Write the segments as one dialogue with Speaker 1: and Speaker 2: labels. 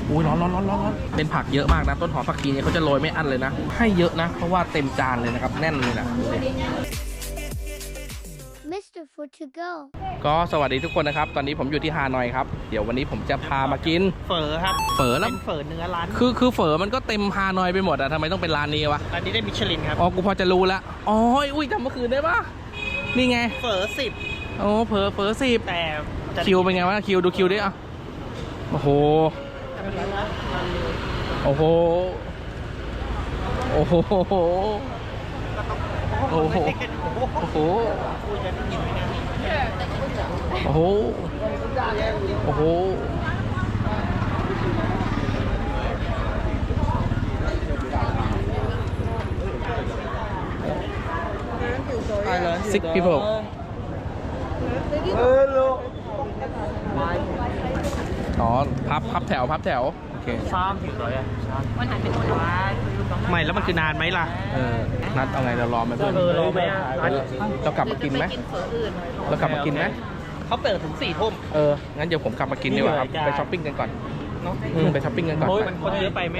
Speaker 1: อุ้ยร้อนเป็นผักเยอะมากนะต้นหอมผักชีเนี่ยเขาจะโรยไม่อั้นเลยนะให้เยอะนะเพราะว่าเต็มจานเลยนะครับแน่นเลยนะดูดิ
Speaker 2: Mr. Food to go
Speaker 1: ก็สวัสดีทุกคนนะครับตอนนี้ผมอยู่ที่ฮานอยครับเดี๋ยววันนี้ผมจะพามากิน
Speaker 3: เฝอครับ
Speaker 1: เฝอแล้ว
Speaker 3: เป็นเฝอเนื้อร้าน
Speaker 1: คือเฝอมันก็เต็มฮานอยไปหมดอะทำไมต้องเป็นร้านนี้วะ
Speaker 3: ร้านนี้ได้มิชลินครับ
Speaker 1: อ๋อกูพอจะรู้แล้วอ๋ออุ้ยจำเมื่อคืนได้ปะนี่ไง
Speaker 3: เฝอ10
Speaker 1: โอ้เฝอสิบ
Speaker 3: แต่จะ
Speaker 1: คิวเป็นไงวะคิวดูคิวดิอ่ะโอ้โหโอ้โหโอ้โหโอ้โหโอ้โหโอ้โหโอ้โห6 people อ๋อพับแถวโอเค
Speaker 3: ซ้อมถึงเลยอ่ะมันหันเป็นคนไม่แล้วมันคือนานไหมล่ะ
Speaker 1: นัดเอาไงเรารอไหมเพื่อน
Speaker 3: รอไหมอ่ะ
Speaker 1: เรากลับมากินไหมเรากลับมากินไหม
Speaker 3: เขาเปิดถึง4 ทุ่ม
Speaker 1: งั้นเดี๋ยวผมกลับมากินดีกว่าครับไปช้อปปิ้งกันก่อนเนาะไปช้อปปิ้งกันก่อน
Speaker 3: โอ้ยมันคนเยอะไปแม่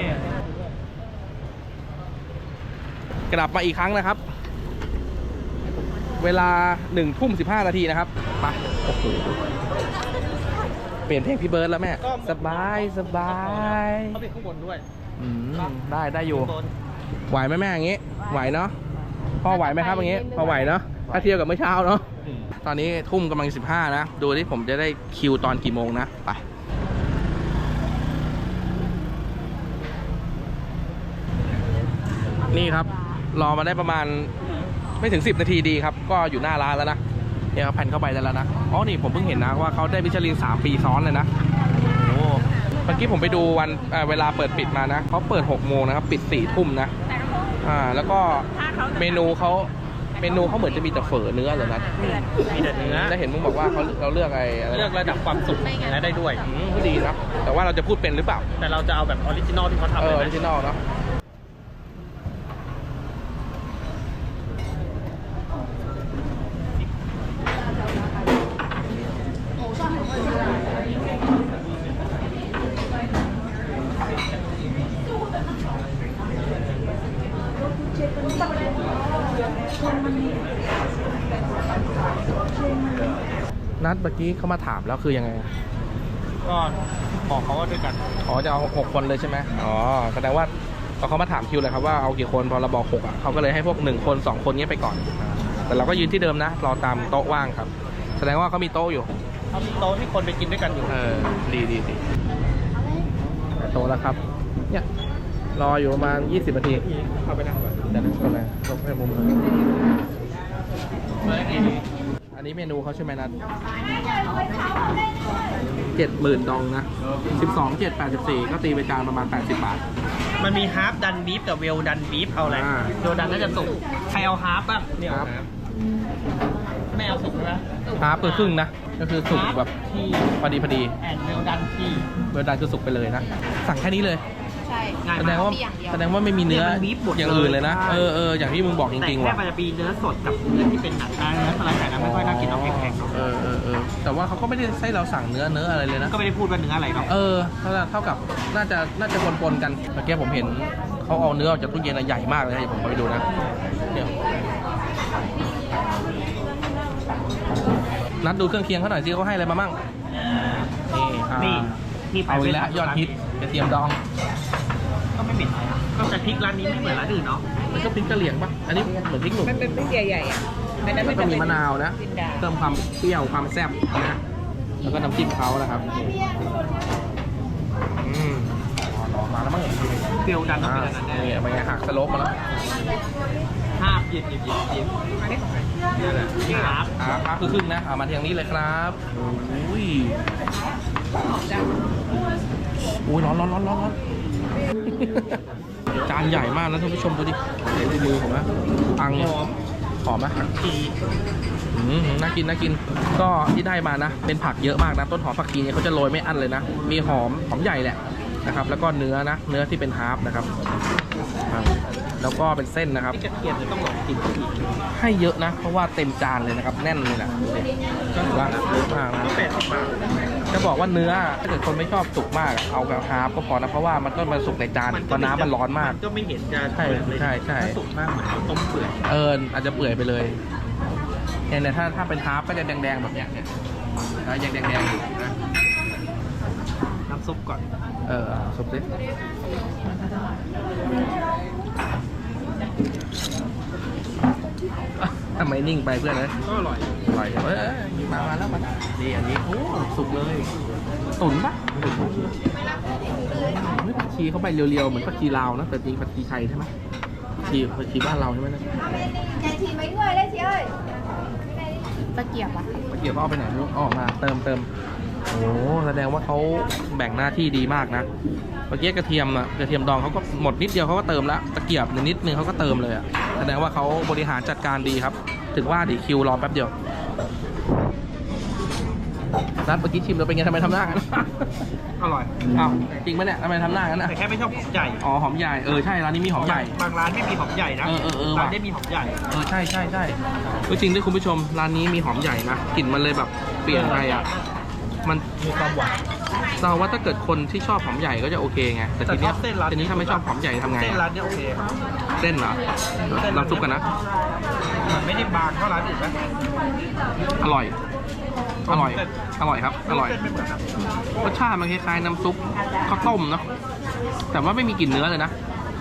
Speaker 1: กลับมาอีกครั้งนะครับ เวลา1:15 นาทีนะครับไปโอ้โหเปลี่ยนเพลงพี่เบิร์ดแล้วแม่สบาย
Speaker 3: เขาเป็นข้างบนด้วย
Speaker 1: ได้อยู่ไหวไหมแม่อย่างงี้ไหวเนาะพ่อไหวไหมครับอย่างงี้พอไหวเนาะถ้าเทียบกับเมื่อเช้าเนาะตอนนี้ทุ่มกำลัง15นะดูที่ผมจะได้คิวตอนกี่โมงนะไปนี่ครับรอมาได้ประมาณไม่ถึง10 นาทีดีครับก็อยู่หน้าร้านแล้วนะเนี่ยครับแผ่นเข้าไปได้แล้วนะอ๋อนี่ผมเพิ่งเห็นนะว่าเขาได้มิชลิน3 ปีซ้อนเลยนะโอ้เมื่อกี้ผมไปดูวันเวลาเปิดปิดมานะเขาเปิด6 โมงนะครับปิด4 ทุ่มนะแล้วก็เมนูเขาเหมือนจะมีแต่เฝอเนื้อเลยนะ
Speaker 3: มีแต่เนื้อ
Speaker 1: ได้เห็นมึงบอกว่าเราเลือกอะไร
Speaker 3: เลือกระดับความสุกและได้ด้วย
Speaker 1: ก็ดีนะแต่ว่าเราจะพูดเป็นหรือเปล่า
Speaker 3: แต่เราจะเอาแบบออริจินอลที่เขาทำ
Speaker 1: ออริจินอลเนาะนัดเมื่อกี้เขามาถามแล้วคือยังไง
Speaker 3: ก็บอกเขาว่าด้วยกัน
Speaker 1: อ๋อจะเอา6 คนเลยใช่ไหมอ๋อแสดงว่าเขามาถามคิวเลยครับว่าเอากี่คนพอเราบอก6อ่ะเขาก็เลยให้พวก1 คน 2 คนนี้ไปก่อนแต่เราก็ยืนที่เดิมนะรอตามโต๊ะว่างครับแสดงว่าเขามีโต๊ะอยู่
Speaker 3: เขามีโต๊ะที่คนไปกินด้วยกันอยู่
Speaker 1: ดีโต๊ะแล้วครับเนี่ยรออยู่ประมาณ20 นาที
Speaker 3: เข้าไปนั่งก่อน
Speaker 1: เดี๋ยวเข้าไปลงไปมุมอันนี้เมนูเขาใช่ไหมนัด70,000 ดองนะ12 7 84ก็ตีไปจานประมาณ80 บาท
Speaker 3: มันมีฮาร์ฟดันบีฟกับเวลดันบีฟเอาอะไรเวลดันน่าจะสุกใครเอาฮาร์ฟบ้างเนี่ยไม่เอาสุกนะ
Speaker 1: ฮาร์ฟคือครึ่งนะก็คือสุกแบบ
Speaker 3: ที่
Speaker 1: พอดี
Speaker 3: แอนเวลดันที่
Speaker 1: เวลดันคือสุกไปเลยนะสั่งแค่นี้เลย
Speaker 2: ใช่
Speaker 1: แสดงว่าไม่มีเนื้ออย่างอื่นเลยนะอย่างที่มึงบอกจริงๆว่ะ
Speaker 3: แต่แค่มันจะมีเนื้อสดกับเนื้อที่เป็นหนังเนื้อสไลด์แต่นั้นไม่ค่อยน่ากินเอาแข็ง
Speaker 1: ๆแต่ว่าเขาก็ไม่ได้ให้เราสั่งเนื้ออะไรเลยนะ
Speaker 3: ก็ไม่ได้พูดว่าเนื้ออะไรหรอก
Speaker 1: เท่ากับน่าจะปนกันเมื่อกี้ผมเห็นเขาเอาเนื้อออกจากตู้เย็นใหญ่มากเลยเดี๋ยวผมไปดูนะเนี่ยนัดดูเครื่องเคียงเขาหน่อยสิเขาให้อะไรมามั่ง
Speaker 3: นี่
Speaker 1: เอาอีกแล้วยอดฮิตกระเทียมดอง
Speaker 3: ก็ไม่เหม็นก็แต่พริกร้านนี้ไม่เหมือนร้านอื่นเนาะ
Speaker 1: มันก็พริกกะเหรี่ยงปะอันนี้เหมือนพริกหนุ่ม
Speaker 2: มันเป็นพริกใหญ่ๆอ่ะ
Speaker 1: แล้วก็มีมะนาวนะเติมความเปรี้ยวความแซ่บนะแล้วก็น้ำจิ้มเขานะครับมาแล้วมั้ง
Speaker 3: เปรี้ยวดันต้องเป็นอย่างนั้นแน่
Speaker 1: เนี่ยเป็นไงหักสโลปมาแล้ว
Speaker 3: หยิบนี่แหละ
Speaker 1: ครับคือครึ่งนะเอามาทางนี้เลยครับอุ้ยร้อนจานใหญ่มากนะท่านผู้ชมดูดิเดี๋ยวดูมือผมนะอังหอมไหมน่ากินก็ที่ได้มานะเป็นผักเยอะมากนะต้นหอมผักชีเนี่ยเขาจะโรยไม่อั้นเลยนะมีหอมใหญ่แหละนะครับแล้วก็เนื้อที่เป็นฮาร์ฟนะครับแแล้วก็เป็นเส้นนะครับ
Speaker 3: ที่กระเทียมจะต้องลองกินอีก
Speaker 1: ให้เยอะนะ เพราะว่าเต็มจานเลยนะครับ แน่นเลยนะดูดิถือว่าเยอะมากนะ
Speaker 3: ก็80 บาท
Speaker 1: จะบอกว่าเนื้อถ้าเกิดคนไม่ชอบสุกมากเอาแบบฮาล์ฟก็พอนะเพราะว่ามันก็มาสุกในจานเพราะน้ำมันร้อนมาก
Speaker 3: มันก็ไม่เห็นจะ
Speaker 1: ใช่
Speaker 3: เปื่อยเลย
Speaker 1: ใช่ใช่
Speaker 3: ถ้าสุกมากเหมือนข้าวต้มเปื่อย
Speaker 1: อาจจะเปื่อยไปเลยเนี่ยถ้าเป็นฮาล์ฟก็จะแดงๆแบบเนี้ยเนี่ยยังแดงๆอยู่นะ
Speaker 3: น้ำซุปก่อน
Speaker 1: ซุปสิทำไมนิ่งไปเพื่อนเลย
Speaker 3: ก็อร่อย
Speaker 1: อร่อยมาแล้วมาดีอันนี้โอ้สุกเลยตุ๋นปะผักชีเข้าไปเรียวๆเหมือนผักชีลาวนะแต่จริงผักชีไทยใช่ไหมผักชีบ้านเราใช่ไหมนะ
Speaker 2: Nhà chị mấy người đấy chị ơi? Ta kiểm à?
Speaker 1: ตะเกียบเอาไปไหนไม่รู้ออกมาเติมโอ้แสดงว่าเขาแบ่งหน้าที่ดีมากนะเมื่อกี้กระเทียมดองเขาก็หมดนิดเดียวเขาก็เติมแล้วตะเกียบนิดนึงเขาก็เติมเลยอ่ะแสดงว่าเขาบริหารจัดการดีครับถึงว่าดิคิวรอแป๊บเดียวนัดเมื่อกี้ชิมแล้วเป็นไงทำไมทำหน้ากัน
Speaker 3: อร่อย
Speaker 1: อ้าวจริงไหมเนี่ยทำไมทำหน้ากันนะ
Speaker 3: แต่แค่ไม่ชอบหอมใหญ่
Speaker 1: อ๋อหอมใหญ่ใช่ร้านนี้มีหอมใหญ่
Speaker 3: บางร้านไม่มีหอมใหญ่นะ ร้านได้มีหอมใหญ่
Speaker 1: ใช่จริงด้วยคุณผู้ชมร้านนี้มีหอมใหญ่นะกลิ่นมันเลยแบบเปลี่ยนไปอ่ะมัน
Speaker 3: มีความหวาน
Speaker 1: เราว่าถ้าเกิดคนที่ชอบหอมใหญ่ก็จะโอเคไงแต่ทีเนี้ย
Speaker 3: แต่ชอบเส้นร้าน
Speaker 1: ทีนี้ถ้าไม่ชอบหอมใหญ่ทำไง
Speaker 3: เส้น
Speaker 1: อะ
Speaker 3: ร้านเนี้ยโอเค
Speaker 1: เส้นเหรอลองซุปกันนะ
Speaker 3: มันไม่ได้บางเท่าร้านอื่นนะ
Speaker 1: อร่อยครับอร่อย
Speaker 3: เส้นไม่เหมือนนะ
Speaker 1: รสชาติมันคล้ายๆน้ำซุปข้าวต้มเนาะแต่ว่าไม่มีกลิ่นเนื้อเลยนะ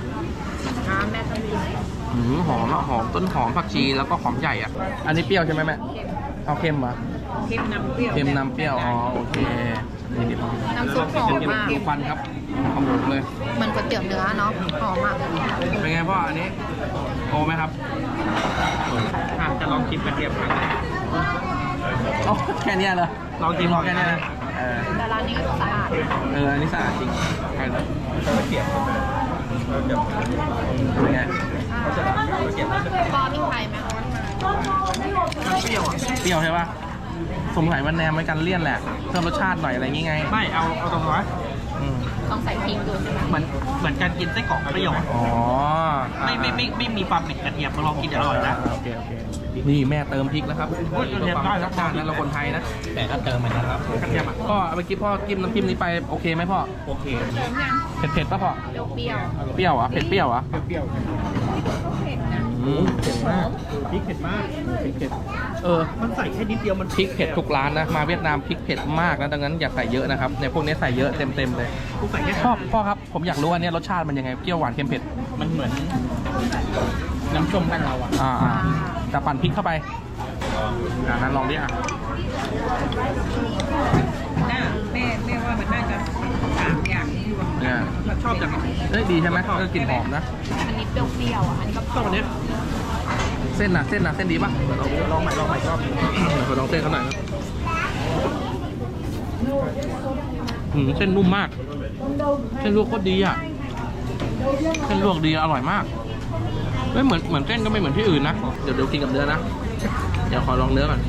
Speaker 1: หอมอะหอมต้นหอมผักชีแล้วก็หอมใหญ่อ่ะอันนี้เปรี้ยวใช่ไหมแม่เอาเค็มเหรอ
Speaker 2: เค็มน้ำเปรี้ยว
Speaker 1: เค็มน้ำเปรี้ยวอ๋อโอเคนี่ดิ
Speaker 2: น้ำซุปหอมมาก
Speaker 1: ดูควันครับขมุกเลย
Speaker 2: เหมือนก๋วยเตี๋ยวเนื้อเนาะ หอมมาก
Speaker 1: เป็นไงพ่ออันนี้โอไหมครับ
Speaker 3: จะลองชิมกระเทียมครั้งแรก
Speaker 1: โอ้แค่เนี้ยเลย
Speaker 3: ลองกิน
Speaker 1: ลองแค่เนี้ยนะ
Speaker 2: แต่ร้านนี้ก็สะอาด
Speaker 1: อันนี้สะอาดจริงใช่เลย
Speaker 3: ไม่เปลี่ยนใช่ไหมเดี๋ยว
Speaker 1: เป็นไง
Speaker 2: ปอพริกไทยไหม
Speaker 3: มันเปรี้ยวอ่ะ
Speaker 1: เปรี้ยวใช่ปะสงสัยมันแนมไว้กันเลี่ยนแหละเพิ่มรสชาติหน่อยอะไรอย่างงี้ไง
Speaker 3: ไม่เอาตรงนั้น
Speaker 1: อืม
Speaker 2: ต้องใส่พริกดูใช่ไหม
Speaker 3: เหมือนการกินไส้กรอกเปรี้ยวอะ
Speaker 1: อ๋อ
Speaker 3: ไม่มีความเหม็นกระเทียมมาลองกินจะอร่อยนะ
Speaker 1: โอเคนี่แม่เติมพริกแล้วครับ
Speaker 3: โอ้ยกระเทียมได้ครับ
Speaker 1: ชาตินั้นเราคนไทยนะ
Speaker 3: แต่ก็เติมมันนะครับกระเทียมอ่ะ
Speaker 1: พ่อเมื่อกี้พ่อจิ้มน้ำจิ้มนี้ไปโอเคไหมพ่อ
Speaker 3: โอเค
Speaker 1: เผ็ดป่ะพ่อ
Speaker 2: เปรี้ยว
Speaker 1: เปรี้ยวเหรอ่ะเผ็ดเปรี้ยวเหรอ่ะ
Speaker 3: เปรี้ยว
Speaker 1: เผ็ดมาก
Speaker 3: พริกเผ็ดมาก
Speaker 1: พริกเผ็ด
Speaker 3: มันใส่แค่นิดเดียวมัน
Speaker 1: พริกเผ็ดทุกร้านนะมาเวียดนามพริกเผ็ดมากนะดังนั้นอย่าใส่เยอะนะครับในพวกนี้ใส่เยอะเต็มเลย
Speaker 3: กูใส่แค่
Speaker 1: พ่อครับผมอยากรู้อันนี้รสชาติมันยังไงเปรี้ยวหวานเค็มเผ็ด
Speaker 3: มันเหมือนน้ำส้มบ้านเราอ่ะ
Speaker 1: แต่ปั่นพริกเข้าไปนั้นลองดิอ่ะ
Speaker 2: แม่ว่ามันน่าจะ3 อย่างนี้รวม
Speaker 1: เนี่ย
Speaker 3: ชอบจัง
Speaker 1: ดีใช่ไหมกลิ่นหอมนะ
Speaker 2: อันนี้เปรี้ยวๆอ่ะ อันนี้ก็
Speaker 3: ชอบอันนี้
Speaker 1: เส้นดีป่ะเดี๋ยวเรา
Speaker 3: ลองใหม่รอบ
Speaker 1: เดี๋ยวลองเส้นเขาหน่อยนะเส้นนุ่มมากเส้นลวกโคตรดีอ่ะเส้นลวกดีอร่อยมากไม่เหมือนเส้นก็ไม่เหมือนที่อื่นนะเดี๋ยวกินกับเนื้อนะเดี๋ยวขอลองเนื้อก่อน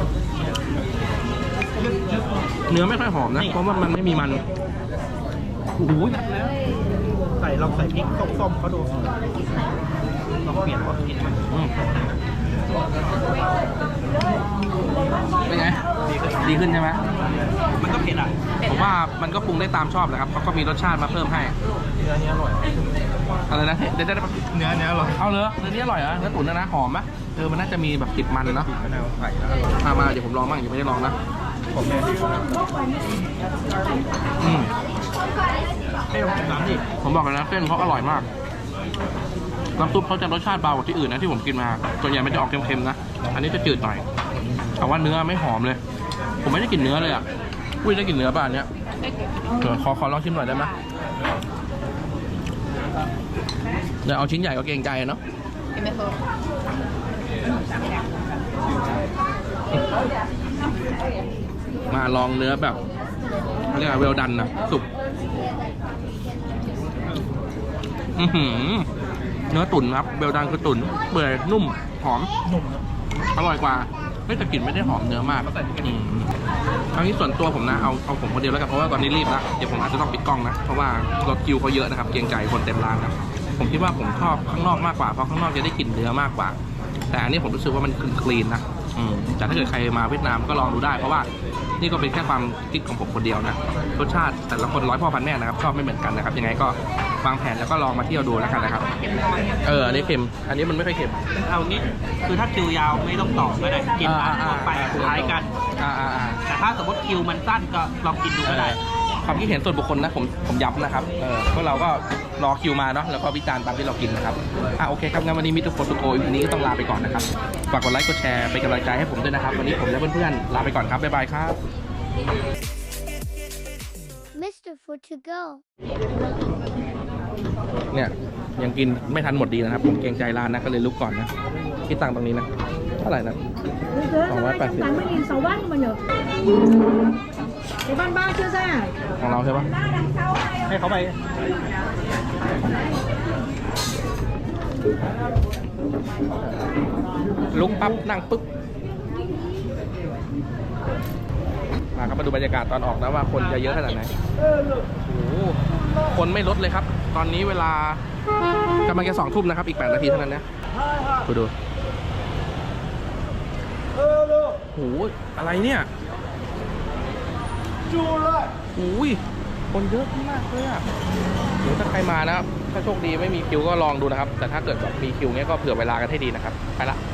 Speaker 1: เนื้อไม่ค่อยหอมนะเพราะว่ามันไม่มีมันโอ้โห
Speaker 3: ลองใส่พริกส้มๆเขาดูลองเปลี่ยนรสกินมัน
Speaker 1: เป็นไงดีขึ้นใช่ไหม
Speaker 3: มันก็เผ็ดอ่ะ
Speaker 1: ผมว่ามันก็ปรุงได้ตามชอบแหละครับเขาก็มีรสชาติมาเพิ่มให้
Speaker 3: เนื้อนี้อร่อย
Speaker 1: อะไรนะเดี๋ยวได้
Speaker 3: เนื้ออร่อย
Speaker 1: เอาเลยเนื้อนี้อร่อยเหรอเนื้อตุ๋นนะหอมไหมมันน่าจะมีแบบติดมันเนาะ
Speaker 3: มะนาวใส่แล้ว
Speaker 1: มาเดี๋ยวผมลองบ้างยังไม่ได้ลองนะ
Speaker 3: ผมแม่ให้ลองกินน้ำดิ
Speaker 1: ผมบอกเลยนะเส้นเขาอร่อยมากน้ำซุปเขาจะรสชาติเบากว่าที่อื่นนะที่ผมกินมาส่วนใหญ่มันจะออกเค็มๆนะอันนี้จะจืดหน่อยแต่ว่าเนื้อไม่หอมเลย ผมไม่ได้กลิ่นเนื้อเลยอ่ะอุ้ยได้กลิ่นเนื้อป่ะอันเนี้ยเดี๋ยวขอลองชิมหน่อยได้ไหมเดี๋ยวเอาชิ้นใหญ่ก็เกรงใจเนาะ
Speaker 2: เห็นไหมคะ
Speaker 1: มาลองเนื้อแบบเรียกว่าเวลดันนะสุกเนื้อตุ๋นครับเวลดันคือตุ๋นเปื่อยนุ่มหอม
Speaker 3: นุ่ม
Speaker 1: อร่อยกว่าแต่กลิ่นไม่ได้หอมเนื้อมากครั้งนี้ส่วนตัวผมนะเอาผมคนเดียวแล้วกันเพราะว่าตอนนี้รีบแล้วเดี๋ยวผมอาจจะต้องปิดกล้องนะเพราะว่ารถคิวเขาเยอะนะครับเกรงใจคนเต็มร้านนะผมคิดว่าผมชอบข้างนอกมากกว่าเพราะข้างนอกจะได้กลิ่นเนื้อมากกว่า แต่อันนี้ผมรู้สึกว่ามันคลีนนะแต่ถ้าเกิดใครมาเวียดนามก็ลองดูได้เพราะว่านี่ก็เป็นแค่ความคิดของผมคนเดียวนะรสชาติแต่ละคนร้อยพ่อพันแม่นะครับชอบไม่เหมือนกันนะครับยังไงก็วางแผนแล้วก็ลองมาเที่ยวดูแล้วกันนะครับอันนี้เค็มอันนี้มันไม่ค่อยเค็ม
Speaker 3: เอางี้คือถ้าคิวยาวไม่ต้องต่อก็ได้กินร้านทั่วไปคล้ายกัน แต่ถ้าสมมติคิวมันสั้นก็ลองกินดูก็ได้
Speaker 1: ความคิดเห็นส่วนบุคคลนะผมย้ำนะครับพวกเราก็รอคิวมาเนาะแล้วก็วิจารณ์ตามที่เรากินนะครับโอเคครับงั้นวันนี้มิสเตอร์โฟโตโกวันนี้ต้องลาไปก่อนนะครับฝากกดไลค์กดแชร์เป็นกำลังใจให้ผมด้วยนะครับวันนี้ผมและเพื่อนๆลาไปก่อนครับบ๊ายบายครับ
Speaker 2: Mr. Food to go
Speaker 1: เนี่ยยังกินไม่ทันหมดดีนะครับผมเกรงใจร้านนะก็เลยลุกก่อนนะคิดตังค์ตรงนี้นะเท่าไหร่นะ280
Speaker 2: 280 mà nhở cái ban ba chưa ra
Speaker 1: ของเราใช่ปะ
Speaker 3: ให้เขาไป
Speaker 1: ลุกปั๊บนั่งปึ๊บมาครับมาดูบรรยากาศตอนออกนะว่าคนจะเยอะขนาดไหนโอ้โหคนไม่ลดเลยครับ ตอนนี้เวลากำลังจะ2 ทุ่มนะครับอีก8 นาทีเท่านั้นนะดูโอ้โหอะไรเนี่ยโอ้ยคนเยอะมากเลยอ่ะเดี๋ยวถ้าใครมานะครับถ้าโชคดีไม่มีคิวก็ลองดูนะครับแต่ถ้าเกิดแบบมีคิวเงี้ยก็เผื่อเวลากันให้ดีนะครับไปละ